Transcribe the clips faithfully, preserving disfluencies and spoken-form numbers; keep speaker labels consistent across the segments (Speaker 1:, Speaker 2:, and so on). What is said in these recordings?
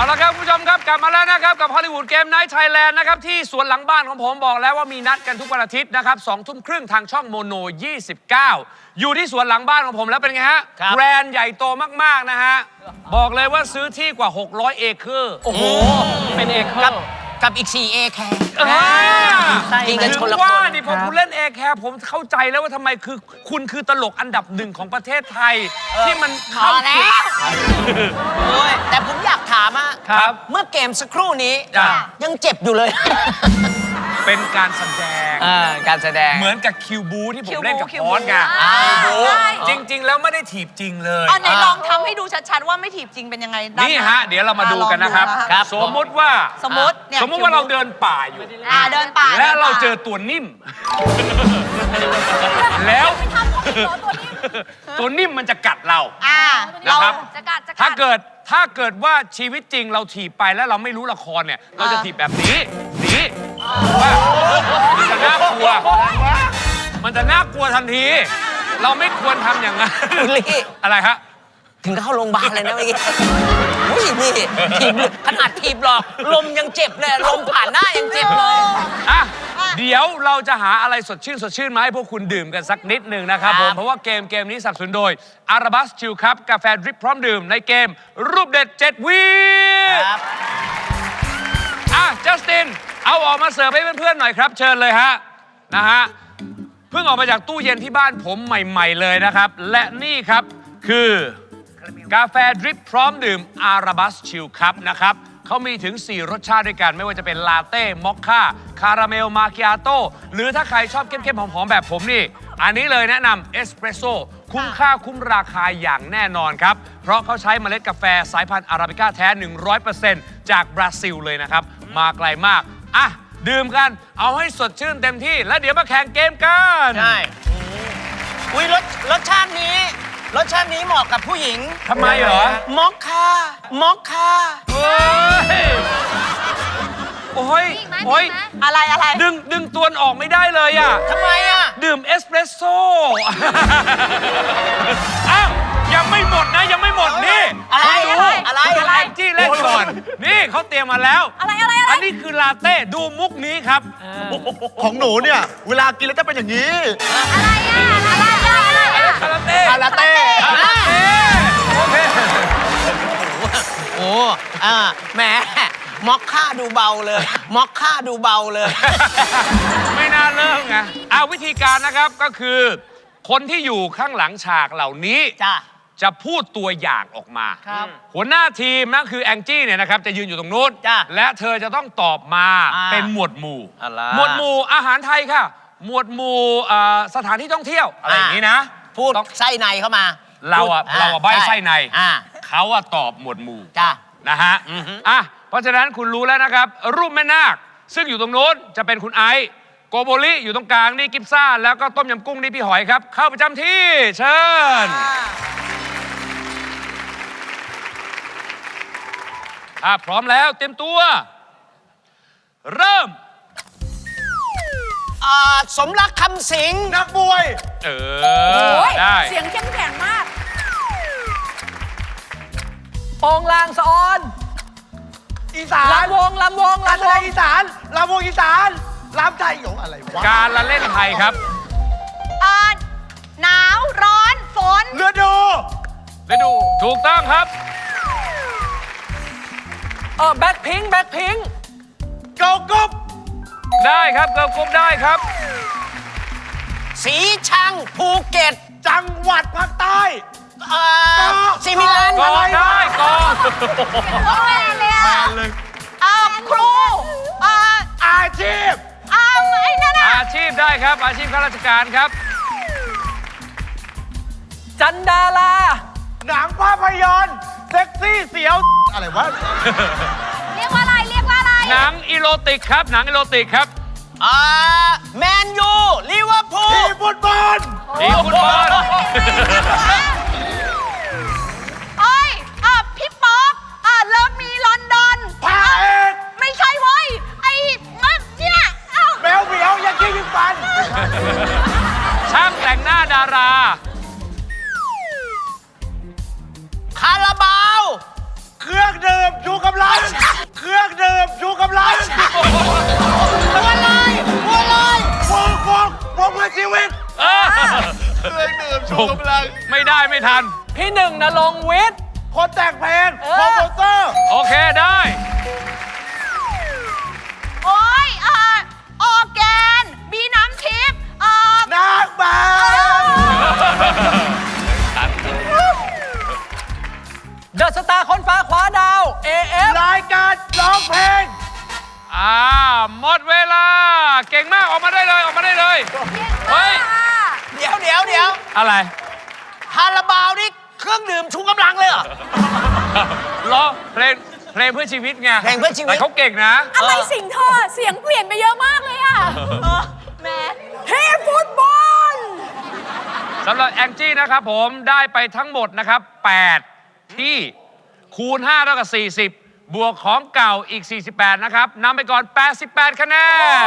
Speaker 1: ละครับคุณผู้ชมครับกลับมาแล้วนะครับกับฮอลลีวูดเกมไนท์ไทยแลนด์นะครับที่สวนหลังบ้านของผมบอกแล้วว่ามีนัดกันทุกวันอาทิตย์นะครับสองทุ่มครึ่งทางช่องโมโนยี่สิบเก้าอยู่ที่สวนหลังบ้านของผมแล้วเป็นไงฮะแบรนด์ใหญ่โตมากๆนะฮะบอกเลยว่าซื้อที่กว่าหกร้อยเอเคอร์โอ้โห
Speaker 2: เป็นเอเคอร์กับอีกสี่เอแคร์
Speaker 1: จริงกันชนละคนว่านี่พอคุณเล่นเอแคร์ผมเข้าใจแล้วว่าทำไมคือคุณคือตลกอันดับหนึ่งของประเทศไทยที่มัน
Speaker 2: เข้าแล้วแต่ผมอยากถามอะเมื่อเกมสักครู่นี้ยังเจ็บอยู่เลย
Speaker 1: เป็นการแสดง
Speaker 2: การแสดง
Speaker 1: เหมือนกับคิวบูที่ผมเล่นกับพอสไงจริงๆแล้วไม่ได้ถีบจริงเลย
Speaker 3: เอาไหนลองทำให้ดูชัดๆว่าไม่ถีบจริงเป็นยังไง
Speaker 1: นี่ฮะเดี๋ยวเรามาดูกันนะครับสมมติว่า
Speaker 3: สมมติ
Speaker 1: สมมติว่าเราเดินป่าอยู่
Speaker 3: เดินป่า
Speaker 1: และเราเจอตัวนิ่มแล้วตัวนิ่มมันจะกัดเรานะครับถ้าเกิดถ้าเกิดว่าชีวิตจริงเราถีบไปแล้วเราไม่รู้ละครเนี่ยเราจะถีบแบบนี้นี้ว่ามันจะน่ากลัวมันจะน่ากลัวทันทีเราไม่ควรทำอย่างนั้นอะไรฮะ
Speaker 2: ถึงเข้าโรงพยาบาลเลยนะเมื่อกี้อุ้ยนี่ถีบขนาดถีบหรอกลมยังเจ็บเลยลมผ่านหน้ายังเจ็บเลย
Speaker 1: อ่ะเดี๋ยวเราจะหาอะไรสดชื่นสดชื่นมาให้พวกคุณดื่มกันสักนิดหนึ่งนะครับผมเพราะว่าเกมเกมนี้สนับสนุนโดยอาราบัสชิลครับกาแฟดริปพร้อมดื่มในเกมรูปเด็ดเจ็ดวิอ่ะจัสตินเอาออกมาเสิร์ฟให้เพื่อนๆหน่อยครับเชิญเลยฮะนะฮะเพิ่งออกมาจากตู้เย็นที่บ้านผมใหม่ๆเลยนะครับและนี่ครับคือกาแฟดริปพร้อมดื่มอาราบัสชิลครับนะครับเขามีถึงสี่รสชาติด้วยกันไม่ว่าจะเป็นลาเต้มอคค่าคาราเมลมาคิอาโต้หรือถ้าใครชอบเข้มๆหอมๆแบบผมนี่อันนี้เลยแนะนำเอสเปรสโซ่คุ้มค่าคุ้มราคาอย่างแน่นอนครับเพราะเขาใช้เมล็ดกาแฟสายพันธุ์อาราบิก้าแท้ หนึ่งร้อยเปอร์เซ็นต์ จากบราซิลเลยนะครับมาไกลมากอ่ะดื่มกันเอาให้สดชื่นเต็มที่แล้วเดี๋ยวมาแข่งเกมกัน
Speaker 2: ใช่อุ้ยรสรสชาตินี้รสชาตินี้เหมาะกับผู้หญิง
Speaker 1: ทำไมเหรอ
Speaker 2: มอคค่ามอคค่า
Speaker 1: โอ้ยโอ้ยโอ้ย
Speaker 3: อะไรอะไร
Speaker 1: ดึงดึงตัวออกไม่ได้เลยอ่ะ
Speaker 2: ทำไมอ่ะ
Speaker 1: ดื่มเอสเปรสโซ่อ้าวยังไม่หมดนะยังไม่หมดนี่
Speaker 2: อะไรอะไรอะไร
Speaker 1: อะไรจี้เล่นก่อนนี่เขาเตรียมมาแล้ว
Speaker 3: อะไรอะไร
Speaker 1: อันนี้คือลาเต้ดูมุกนี้ครับ
Speaker 4: ของหนูเนี่ยเวลากินแล้วจะเป็นอย่างนี้
Speaker 3: อะไรอ่ะอะไรอะไร
Speaker 1: คาราเต้
Speaker 4: คาราเต้
Speaker 1: โอเค
Speaker 2: โอ้อ่าแหมมอคค่าดูเบาเลยมอคค่าดูเบาเลย
Speaker 1: ไม่น่าเริ่มไงเอาวิธีการนะครับก็คือคนที่อยู่ข้างหลังฉากเหล่านี้จะพูดตัวอย่างออกมาหัวหน้าทีมนั่นคือแองจี้เนี่ยนะครับจะยืนอยู่ตรงนู้นและเธอจะต้องตอบมาเป็นหมวดหมู่หมวดหมู่อาหารไทยค่ะหมวดหมู่สถานที่ท่องเที่ยวอะไรอย่างนี้นะ
Speaker 2: พูดไส้ในเข้ามา
Speaker 1: เราอะเราอะใบไส้ในเขาอะตอบหมวดหมู่นะฮะอ่ะเพราะฉะนั้นคุณรู้แล้วนะครับรูปแม่นาคซึ่งอยู่ตรงโน้นจะเป็นคุณไอซ์โกโบลิอยู่ตรงกลางนี่กิฟซ่าแล้วก็ต้มยำกุ้งนี่พี่หอยครับเข้าประจำที่เชิญถ้าพร้อมแล้วเตรียมตัวเริ่ม
Speaker 2: สมรักคำสิง
Speaker 4: นักมวย
Speaker 1: เออได้
Speaker 3: เสียงเข้มแข็งมาก
Speaker 2: โปงลางสะออน
Speaker 4: อีสาน
Speaker 2: ลำวงลำวง
Speaker 4: ลำวงอีสานลำวงอีสานลำไทยของอะไรวะ
Speaker 1: การละเล่นไทยครับ
Speaker 3: หนาวร้อนฝน
Speaker 4: ฤดู
Speaker 1: ฤดูถูกต้องครับ
Speaker 2: เออแบ็คพิงแบ็คพิง
Speaker 4: เกากุ๊บ
Speaker 1: ได้ครับเกากุ๊บได้ครับ
Speaker 2: สีชังภูเก็ต
Speaker 4: จังหวัดภาคใต้
Speaker 2: เอ่อซิมิลัน
Speaker 1: ก็ได้ก็
Speaker 3: แม่เลยอ่ะครู
Speaker 4: อาชีพ
Speaker 3: อ้าวไอ้นั่น
Speaker 1: อาชีพได้ครับอาชีพข้าราชการครับ
Speaker 2: จันดารา
Speaker 4: หนังภาพยนตร์เซ็กซี่เสียวอะไรวะ
Speaker 3: เรียกว่าอะไรเรียกว่าอะไร
Speaker 1: หนังอีโรติกครับหนังอีโรติกครับ
Speaker 2: อ่าแมนยูลิเวอร์พูล
Speaker 4: ทีมฟุตบอล
Speaker 1: ทีมฟุตบอล
Speaker 3: เอ้ยอ่ะพี่ป๊อกอ่ะเลิฟมีลอนดอน
Speaker 4: พาเอก
Speaker 3: ไม่ใช่เว้ยไอ้เนี่ย
Speaker 4: แมวเหมียวยังขี้ยิงฟัน
Speaker 1: ช่างแต่งหน้าดารา
Speaker 2: คาราบาว
Speaker 4: เครื่องดื่มชูกำลัง เครื่องดื่มชูกำลังบัวลอยบัวลอยวงวงวงเพื่อชีวิต
Speaker 1: เออ
Speaker 4: เครื่องดื่มชูกำลัง
Speaker 1: ไม่ได้ไม่ทัน
Speaker 2: พี่หนึ่งนรงค์วิทย์
Speaker 4: คนแต่งเพลงโปรโมเตอร์
Speaker 1: โอเคได้
Speaker 3: โอ้ยเอ่อออร์แกนบีน้ำทิพย์เอ่อ
Speaker 4: นางแบบ
Speaker 2: เดอะสตาร์คนฟ้าคว้าดาว เอ เอฟ
Speaker 4: รายการร้องเพลง
Speaker 1: อ่าหมดเวลา เก่งมากออกมาได้เลยออกมาได้เลย เฮ้ย
Speaker 2: เดี๋ยวเดี๋ยวเดี๋ยว
Speaker 1: อะไร
Speaker 2: คาราบาวนี่เครื่องดื่มชูกำลังเลยเหรอ
Speaker 1: ร้องเพลงเพลงเพื่อชีวิตไง
Speaker 2: เพลงเพื่อชีวิต
Speaker 1: แต่เขาเก่งนะ
Speaker 3: อะไรสิ่งเธอเสียงเปลี่ยนไปเยอะมากเลยอ่ะแม่เฮ้ฟุตบอล
Speaker 1: สำหรับแองจี้นะครับผมได้ไปทั้งหมดนะครับแปดที่คูณห้าเท่ากับสี่สิบบวกของเก่าอีกสี่สิบแปดนะครับนำไปก่อนแปดสิบแปดคะแนน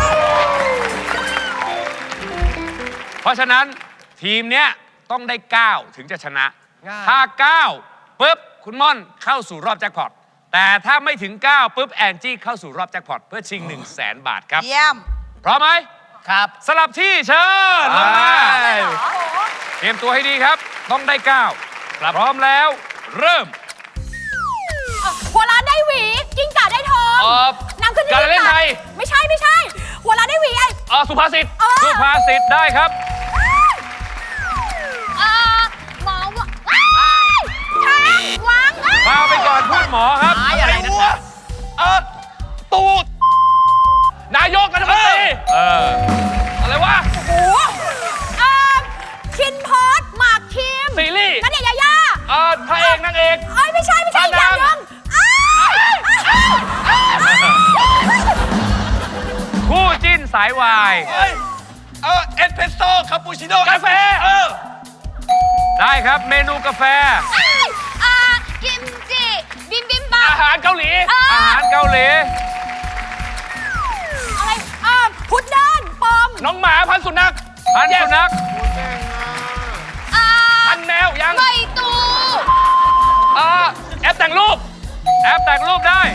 Speaker 1: เพราะฉะนั้นทีมเนี้ยต้องได้เก้าถึงจะชนะ ถ้าเก้าปุ๊บคุณม่อนเข้าสู่รอบแจ็คพอตแต่ถ้าไม่ถึงเก้าปุ๊บแองจี้เข้าสู่รอบแจ็คพอตเพื่อชิง หนึ่งแสน บาทครับ
Speaker 3: เยี่ยม
Speaker 1: พร้อมไหม
Speaker 2: ครับ
Speaker 1: สลับที่เชิญลงมาเตรียมตัวให้ดีครับ ต้องได้เก้าพร้อมแล้วเริ่ม
Speaker 3: หัวล้านได้หวี กิ้งก่าได้ทอง
Speaker 1: เอ่อ
Speaker 3: น้ำขึ้น
Speaker 1: การละเล่นไทย
Speaker 3: ไม่ใช่ไม่ใช่ หัวล้านได้หวีไอ้
Speaker 1: เอ่อสุภาษิต
Speaker 3: เออ
Speaker 1: สุภาษิตได้ครับ
Speaker 3: เอ่อหมอวะว้ายช้างวางอ้าย
Speaker 1: พาไปก่อนพูดหมอครับ
Speaker 2: หายอะไรนะ
Speaker 1: วเออตูดนายกรัฐมนตรีเอออะไรวะ
Speaker 3: โอ้โหเอ่อคินพอดหมากคิม
Speaker 1: ซีรีส์
Speaker 3: นันเดชน์ยายา
Speaker 1: เออพระเอกนางเอก
Speaker 3: เอ้ยไม่ใช่ไม่ใช่อีกอย่างหนึงอ้ายอ้ายอ้ายอ้าย
Speaker 1: คู่จิ้นสายวาย
Speaker 4: เออเอสเพรสโซ่คาปูชิโน่
Speaker 1: กาแฟเออได้ครับเมนูกาแฟ
Speaker 3: อ้ายอ่ากิมจิบิมบิมบับ
Speaker 1: อาหารเกาหลี
Speaker 3: เอออ
Speaker 1: อาหารเกาหลี
Speaker 3: อะไรอ่าพุดเดิ้ลปอม
Speaker 1: น้องหมาพันธุ์สุนัขพันธุ์สุนัข
Speaker 3: อ่า
Speaker 1: พันธุ์แมวยัง
Speaker 3: ใบตู
Speaker 1: เออแอปแต่งรูปแอปแต่งรูปได้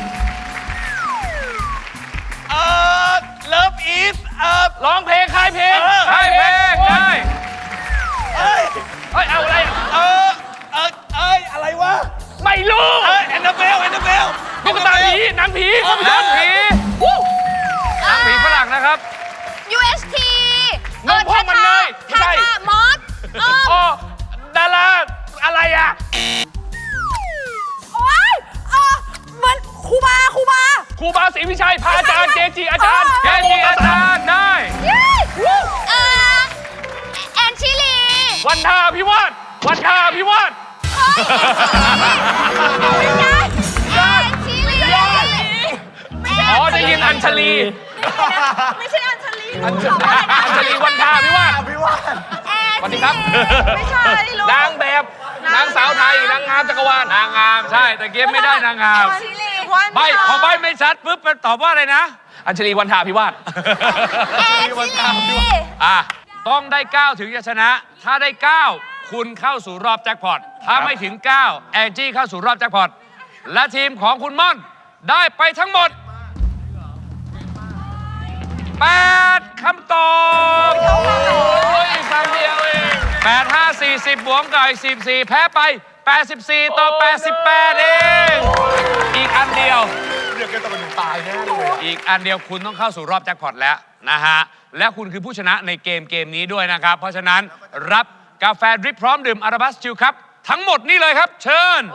Speaker 4: เออเลิฟอีสเออ
Speaker 1: ร้องเพลงค่ายเพลง
Speaker 4: เออ
Speaker 1: ค่ายเพลงได้
Speaker 4: เอ้ย
Speaker 1: เฮ้ยเอาอะไร
Speaker 4: เออเออเอ้ยอะไรวะ
Speaker 1: ไม่รู้
Speaker 4: เอ้ยแอนนาเบลแอนนาเบล
Speaker 1: ตุ๊กตาผีหนังผีหนังผีหนังผีฝรั่งนะครับ
Speaker 3: ยู เอส ที
Speaker 1: นมพ่อมันเนยไม่
Speaker 3: ทา
Speaker 1: ใช่
Speaker 3: ทามอสเออ
Speaker 1: อ๋อดาราอะไรอ่ะ
Speaker 3: โอ้ยเออเหมือนครูบาครูบา
Speaker 1: ครูบาศรีวิชัยพระอาจารย์เกจิอาจารย์เกจิอาจารย์ได้
Speaker 3: เย้เออแอนชิลี
Speaker 1: วันทาพิวาทวันทาพิวาท
Speaker 3: เฮ้ยไม่ใช่แอนชิลีไม่ใช่
Speaker 1: อ๋อได้ยินอัญชลี
Speaker 3: ไม่ใช่อัญชลี
Speaker 1: อัญชลีอัญชลีวันทาพิวาท
Speaker 4: พี่ว่าน
Speaker 1: สวัสดีครับ
Speaker 3: ไม่ใช่ลูก
Speaker 1: นางแบบนางสาวไทยนางงามจักรวาลนางงามใช่แต่เกมไม่ได้นางงาม
Speaker 3: ชิลีวัน
Speaker 1: ใบพอใบไม่ชัดปุ๊บมันตอบว่าอะไรนะ อัญชลีวันทาพิวาท
Speaker 3: แอนชิลี
Speaker 1: อ่ะต้องได้เก้าถึงจะชนะ ถ้าได้เก้าคุณเข้าสู่รอบแจ็คพอตถ้าไม่ถึงเก้าแองจี้เข้าสู่รอบแจ็คพอตและทีมของคุณม่อนได้ไปทั้งหมดแปดคำตอบโอ้ยคำเดียวเองแปด ห้า สี่ สิบบวกกับอีกสิบสี่แพ้ไปแปดสิบสี่ต่อแปดสิบแปดเองอีกอันเดียว
Speaker 4: เดี๋ยวแกต้องเป็นตายแน่เลย
Speaker 1: อีกอันเดียวคุณต้องเข้าสู่รอบแจ็คพอตแล้วนะฮะ และคุณคือผู้ชนะในเกมเกมนี้ด้วยนะครับ เพราะฉะนั้นรับกาแฟดริปพร้อมดื่มอาราบัสจิลครับ ทั้งหมดนี่เลยครับ เชิญ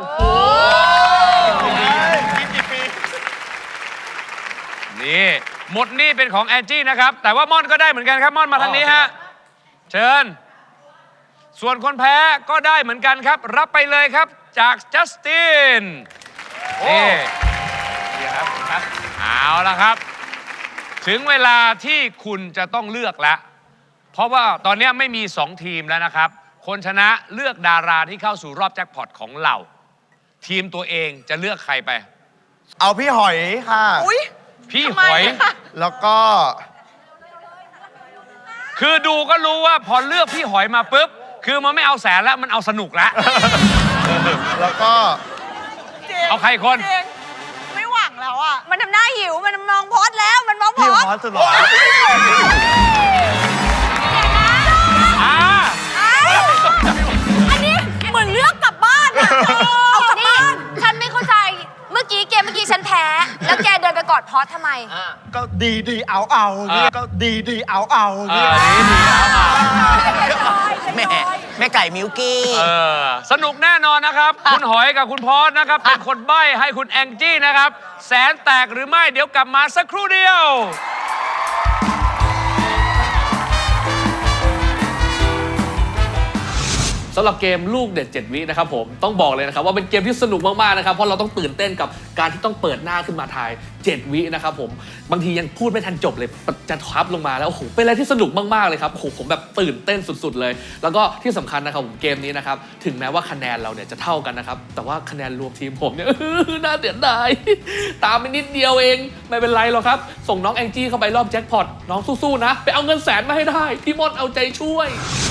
Speaker 1: นี่หมดนี่เป็นของแอนจี้นะครับ แต่ว่าม่อนก็ได้เหมือนกันครับ ม่อนมาทางนี้ฮะ เชิญ ส่วนคนแพ้ก็ได้เหมือนกันครับ รับไปเลยครับจากจัสตินนี่นี่ครับครับ เอาละครับ ถึงเวลาที่คุณจะต้องเลือกแล้ว เพราะว่าตอนนี้ไม่มีสองทีมแล้วนะครับ คนชนะเลือกดาราที่เข้าสู่รอบแจ็คพอตของเรา ทีมตัวเองจะเลือกใครไป
Speaker 4: เอาพี่หอยค่ะ
Speaker 3: อุ้ย
Speaker 1: พี่หอย
Speaker 4: แล้วก็
Speaker 1: คือดูก็รู้ว่าพอเลือกพี่หอยมาปุ๊บ คือมันไม่เอาแสนแล้วมันเอาสนุกแล้ว
Speaker 4: แล้วก็
Speaker 3: เจ๊
Speaker 1: เอาใครอีกคน
Speaker 3: ไม่หวังแล้วอ่ะ มันทำหน้าหิว มันมองพอดแล้ว มันมองพ
Speaker 4: พี่
Speaker 3: อด
Speaker 4: ฮอตสุดหล่อ
Speaker 1: อ่า
Speaker 3: อันนี้เหมือนเลือกกลับบ้านอะเอากลับบ้าน ฉันไม่เข้าใจ เมื่อกี้เกมเมื่อกี้ฉันแพ้ แล้วแกเดินไปกอดพอดทำไม
Speaker 4: ก็ดีดีเอาเอาเนี่ยก็ดีดีเอาเอา
Speaker 1: เอ
Speaker 4: เนี่
Speaker 1: อย ดีดีเอามา
Speaker 2: แม่แม่ไก่มิวกี้
Speaker 1: เออสนุกแน่นอนนะครับ คุณหอยกับคุณพอสนะครับ เป็นคนใบ้ให้คุณแองจี้นะครับ แสนแตกหรือไม่เดี๋ยวกลับมาสักครู่เดียว
Speaker 5: สำหรับเกมลูกเด็ดเจ็ดวินะครับผมต้องบอกเลยนะครับว่าเป็นเกมที่สนุกมากๆนะครับเพราะเราต้องตื่นเต้นกับการที่ต้องเปิดหน้าขึ้นมาทายเจ็ดวินะครับผมบางทียังพูดไม่ทันจบเลยจะทับลงมาแล้วโอ้โหเป็นอะไรที่สนุกมากๆเลยครับโอ้โหผมแบบตื่นเต้นสุดๆเลยแล้วก็ที่สำคัญนะครับผมเกมนี้นะครับถึงแม้ว่าคะแนนเราเนี่ยจะเท่ากันนะครับแต่ว่าคะแนนรวมทีมผมเนี่ย น่าเสียดายตามไปนิดเดียวเองไม่เป็นไรหรอกครับส่งน้องแองจี้เข้าไปรอบแจ็คพอตน้องสู้ๆนะไปเอาเงินแสนมาให้ได้พี่มดเอาใจช่วย